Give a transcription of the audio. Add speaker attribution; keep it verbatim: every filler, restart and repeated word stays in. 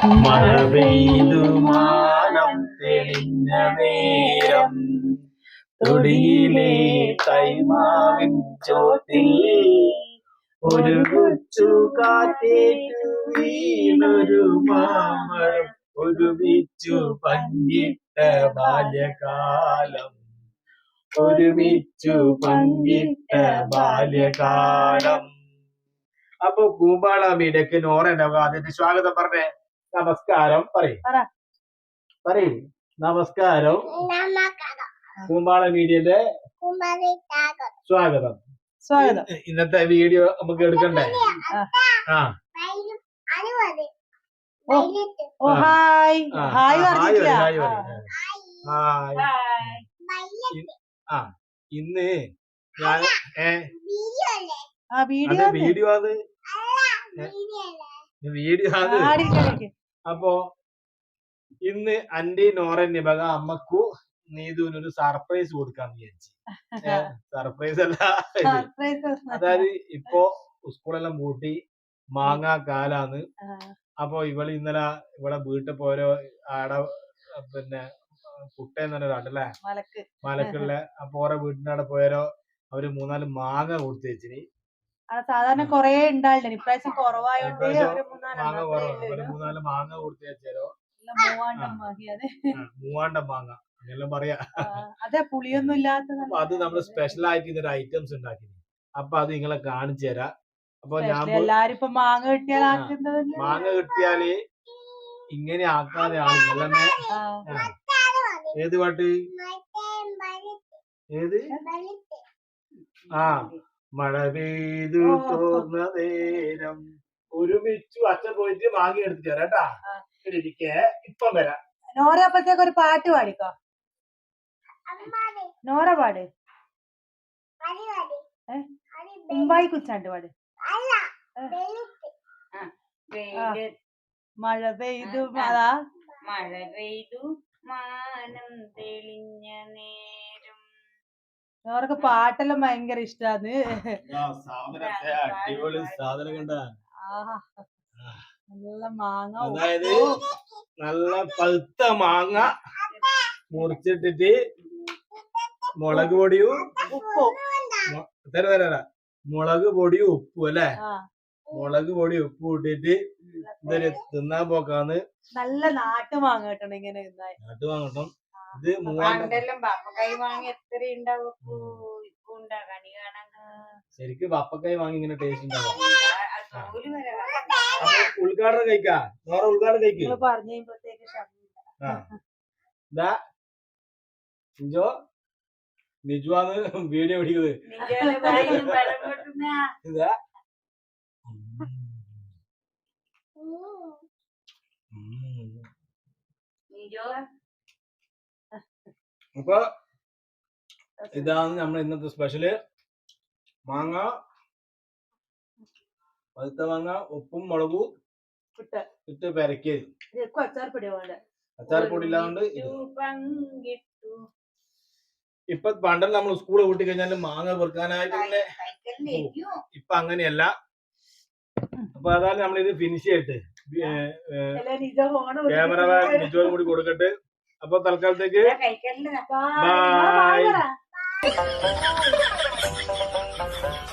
Speaker 1: മഴ പെയ്തു മാനം തെളിഞ്ഞ നേരം തൊടിയിലെ കൈമാവിൻ ചോട്ടിൽ ഒരു കൊച്ചു കാറ്റേറ്റു വീണൊരു മാമരം ഒരുമിച്ചു പങ്കിട്ട ബാല്യകാലം ഒരുമിച്ചു പങ്കിട്ട ബാല്യകാലം. അപ്പൊ കൂമ്പാള മീഡിയക്ക് നോറന്റെ അതിന്റെ സ്വാഗതം പറഞ്ഞേ. നമസ്കാരം പറയും പറയും നമസ്കാരം. കൂമ്പാള മീഡിയന്റെ സ്വാഗതം സ്വാഗതം. ഇന്നത്തെ വീഡിയോ നമുക്ക് എടുക്കണ്ടേ? ആ ഹായ് ഹായ് ഹായ് ആ ഇന്ന് ഞാൻ വീഡിയോ വീഡിയോ അത് വീഡിയോ അത് അപ്പൊ ഇന്ന് അന്റെ നോറൻ നിബക അമ്മക്കു നീതുവിനൊരു സർപ്രൈസ് കൊടുക്കാന്ന് വിചാരിച്ചു. സർപ്രൈസ് അല്ല, അതായത് ഇപ്പൊ സ്കൂളെല്ലാം പൂട്ടി മാങ്ങാ കാലാന്ന്. അപ്പൊ ഇവള് ഇന്നലെ ഇവിടെ വീട്ടിൽ പോരോ ആടെ പിന്നെ കുട്ടേന്ന് പറഞ്ഞല്ലേ മലക്കുള്ള അപ്പൊ ഓരോ വീട്ടിന്റെ അവിടെ പോയാലോ അവര് മൂന്നാല് മാങ്ങ കൊടുത്തു വെച്ചിന്.
Speaker 2: സാധാരണ കൊറേ ഉണ്ടായിരുന്നു, ഇപ്രാവശ്യം കുറവായോണ്ട്
Speaker 1: മാങ്ങ കുറവ് മൂന്നാല് മാങ്ങ കൊടുത്തു വെച്ചാലോ മൂവാണ്ടം മാങ്ങ അങ്ങനെല്ലാം പറയാ.
Speaker 2: അതെ പുളിയൊന്നും ഇല്ലാത്ത
Speaker 1: അത് നമ്മള് സ്പെഷ്യൽ ആയിട്ട് ഇതൊരു ഐറ്റംസ് ഉണ്ടാക്കി. അപ്പൊ അത് നിങ്ങളെ കാണിച്ചു തരാം. അപ്പൊ ഞാൻ
Speaker 2: എല്ലാരും ഇപ്പൊ മാങ്ങ കിട്ടിയാൽ
Speaker 1: മാങ്ങ കിട്ടിയാല് ഇങ്ങനെ ആക്കാതെ ആളില്ലല്ലേ. ഏത് പാട്ട്? ഏത്? ആ മഴ പെയ്തു തോർന്ന നേരം ഒരുമിച്ചു അച്ഛൻ പോയിട്ട് മാങ്ങി എടുത്തിട്ട് വരാട്ടാ. ഇരിക്കേ ഇപ്പം വരാം.
Speaker 2: നോറ അപ്പഴത്തേക്ക് ഒരു പാട്ട് പാടിക്കോ. നോറ പാട്. ഉമ്പായി കുച്ചാണ്ട് പാട്. മഴ പെയ്തു അതാ
Speaker 3: മഴ പെയ്തു മാനം തെളിഞ്ഞ നേരം.
Speaker 2: നോർക്ക് പാട്ടെല്ലാം ഭയങ്കര ഇഷ്ടാന്ന്.
Speaker 1: അടിപൊളി സാധനം കണ്ട.
Speaker 2: നല്ല മാങ്ങ,
Speaker 1: അതായത് നല്ല പഴുത്ത മാങ്ങ മുറിച്ചിട്ടിട്ട് മുളക് പൊടിയും ഉപ്പും തര തര മുളക് പൊടിയും ഉപ്പും അല്ലെ. മുളക് പൊടി ഉപ്പ് ഇട്ടിട്ട് ഇതൊരു തിന്നാൻ പോക്കാന്ന്.
Speaker 2: നല്ല നാട്ടു മാങ്ങ കിട്ടണം ഇങ്ങനെ
Speaker 1: നാട്ടു വാങ്ങട്ടം. ഇത് ശരിക്കും ബപ്പക്കായി വാങ്ങി ഇങ്ങനെ ടേസ്റ്റ് ഉണ്ടാവും. അപ്പൊ ഉദ്ഘാടനം കഴിക്കാ നോറ ഉദ്ഘാടനം കഴിക്കും. നിജോ നിജുവാന്ന് വീഡിയോ പിടിക്കുന്നത്. ഇതാ അപ്പൊ ഇതാണ് നമ്മൾ ഇന്നത്തെ സ്പെഷ്യല്. മാങ്ങ പഴുത്ത മാങ്ങ ഉപ്പും മുളകും ഇട്ട് പെരക്കിയത്. അച്ചാർപ്പൊടി ഇല്ലാണ്ട് ഇപ്പൊ പണ്ടല്ല നമ്മൾ സ്കൂള് കൂട്ടി കഴിഞ്ഞാല് മാങ്ങ പെറുക്കാനായിട്ട് ഇപ്പൊ അങ്ങനെയല്ല. അപ്പൊ അതാണ് നമ്മളിത് ഫിനിഷ് ചെയ്തിട്ട് ക്യാമറമാൻ നിജോനും കൂടി കൊടുക്കട്ടെ. അപ്പൊ തൽക്കാലത്തേക്ക് ബൈ.